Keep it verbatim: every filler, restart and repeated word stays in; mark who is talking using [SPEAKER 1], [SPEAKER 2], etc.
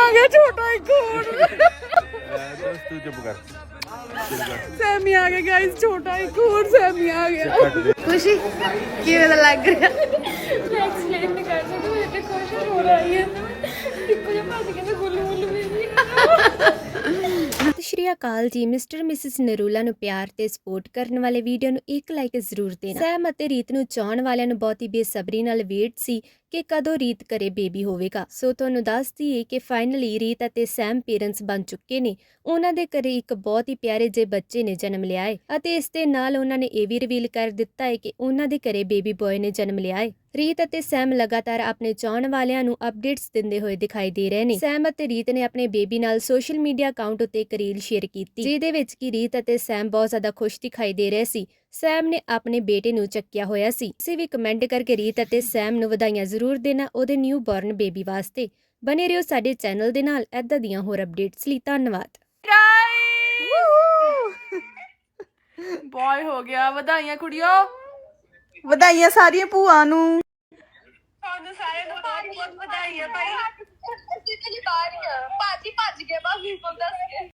[SPEAKER 1] आ गया छोटा एक और
[SPEAKER 2] तू चुप कर
[SPEAKER 1] सैमी आ गया गाइस छोटा एक और सैमी आ गया खुशी किवें दा लग रहा
[SPEAKER 3] मैं एक्सप्लेन नहीं कर सकती मुझे तो खुश हो रही है ਇੱਕੋ ਜਿਹਾ ਭੱਜ ਕੇ ਤੇ ਗੁੱਲੂ ਗੁੱਲੂ ਮੇਰੀ
[SPEAKER 4] ਸਤਿ ਸ਼੍ਰੀ ਅਕਾਲ ਜੀ। ਮਿਸਟਰ ਮਿਸਿਸ ਨਰੂਲਾ ਨੂੰ ਪਿਆਰ ਤੇ ਸਪੋਰਟ ਕਰਨ ਵਾਲੇ ਵੀਡੀਓ ਨੂੰ ਇੱਕ ਲਾਈਕ ਜ਼ਰੂਰ ਦੇਣਾ। ਸੈਮ ਅਤੇ ਰੀਤ ਨੂੰ ਚਾਹਣ ਵਾਲਿਆਂ ਨੂੰ ਬਹੁਤੀ ਬੇਸਬਰੀ ਨਾਲ ਵੇਟ ਸੀ ਕਿ ਕਦੋਂ ਰੀਤ ਘਰੇ ਬੇਬੀ ਹੋਵੇਗਾ। ਸੋ ਤੁਹਾਨੂੰ ਦੱਸ ਦਈਏ ਕਿ ਫਾਈਨਲੀ ਰੀਤ ਅਤੇ ਸੈਮ ਪੇਰੈਂਟਸ ਬਣ ਚੁੱਕੇ ਨੇ। ਉਹਨਾਂ ਦੇ ਘਰੇ ਇੱਕ ਬਹੁਤ ਹੀ ਪਿਆਰੇ ਜਿਹੇ ਬੱਚੇ ਨੇ ਜਨਮ ਲਿਆ ਹੈ ਅਤੇ ਇਸ ਦੇ ਨਾਲ ਉਹਨਾਂ ਨੇ ਇਹ ਵੀ ਰਿਵੀਲ ਕਰ ਦਿੱਤਾ ਹੈ ਕਿ ਉਹਨਾਂ ਦੇ ਘਰੇ ਬੇਬੀ ਬॉय ਨੇ ਜਨਮ ਲਿਆ ਹੈ। ਰੀਤ ਅਤੇ ਸੈਮ ਲਗਾਤਾਰ ਆਪਣੇ ਚਾਹਣ ਵਾਲਿਆਂ ਨੂੰ ਅਪਡੇਟਸ ਦਿੰਦੇ ਹੋਏ ਦਿਖਾਈ ਦੇ ਰਹੇ ਨੇ। ਸੈਮ ਅਤੇ ਰੀਤ ਨੇ ਆਪਣੇ ਬੇਬੀ ਨਾਲ ਸੋਸ਼ਲ ਮੀਡੀਆ ਅਕਾਊਂਟ ਉੱਤੇ ਇੱਕ ਰੀਲ ਸ਼ੇਅਰ ਕੀਤੀ ਜਿਹਦੇ ਵਿੱਚ ਕਿ ਰੀਤ ਅਤੇ ਸੈਮ ਬਹੁਤ ਜ਼ਿਆਦਾ ਖੁਸ਼ ਦਿਖਾਈ ਦੇ ਰਹੇ ਸੀ। ਸੈਮ ਨੇ ਆਪਣੇ ਬੇਟੇ ਨੂੰ ਚੱਕਿਆ ਹੋਇਆ ਸੀ। ਤੁਸੀਂ ਵੀ ਕਮੈਂਟ ਕਰਕੇ ਰੀਤ ਅਤੇ ਸੈਮ ਨੂੰ ਵਧਾਈਆਂ ਜ਼ਰੂਰ ਦੇਣਾ ਉਹਦੇ ਨਿਊ ਬੌਰਨ ਬੇਬੀ ਵਾਸਤੇ। ਬਨੇ ਰਹੋ ਸਾਡੇ ਚੈਨਲ ਦੇ ਨਾਲ ਏਦਾਂ ਦੀਆਂ ਹੋਰ ਅਪਡੇਟਸ ਲਈ। ਧੰਨਵਾਦ।
[SPEAKER 1] बॉय हो गया ਵਧਾਈਆਂ ਕੁੜੀਓ ਵਧਾਈਆਂ ਸਾਰੀਆਂ ਭੂਆ ਨੂੰ
[SPEAKER 3] ਤੁਹਾਨੂੰ ਸਾਰਿਆਂ ਨੂੰ ਬਹੁਤ ਬਹੁਤ ਵਧਾਈਆਂ ਭਾਈ ਅਸੀਂ ਤੇ ਬਾਹਰ ਹੀ ਆ ਭਾਜੀ ਭੱਜ ਗਿਆ ਬਸ ਵੀ ਦੱਸ ਕੇ